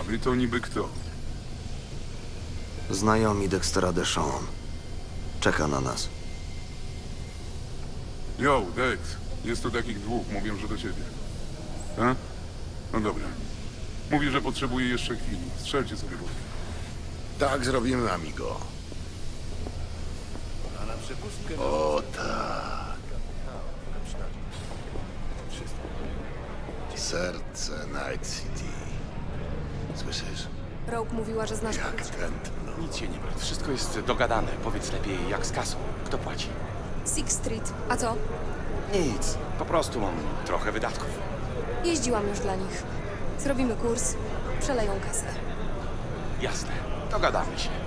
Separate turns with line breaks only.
wy to niby kto?
Znajomi Dextera Deshawn. Czeka na nas.
Yo, Dex. Jest tu takich dwóch, mówią, że do ciebie. A? No dobra. Mówi, że potrzebuje jeszcze chwili. Strzelcie sobie wódkę.
Tak zrobimy, amigo. O tak. Serce Night City. Słyszysz?
Rogue mówiła, że znasz
Jak
klucz.
tętno.
Nic się nie martw, wszystko jest dogadane. Powiedz lepiej, jak z kasą. Kto płaci?
Sixth Street. A co?
Nic, po prostu mam trochę wydatków.
Jeździłam już dla nich. Zrobimy kurs, przeleją kasę.
Jasne, dogadamy się.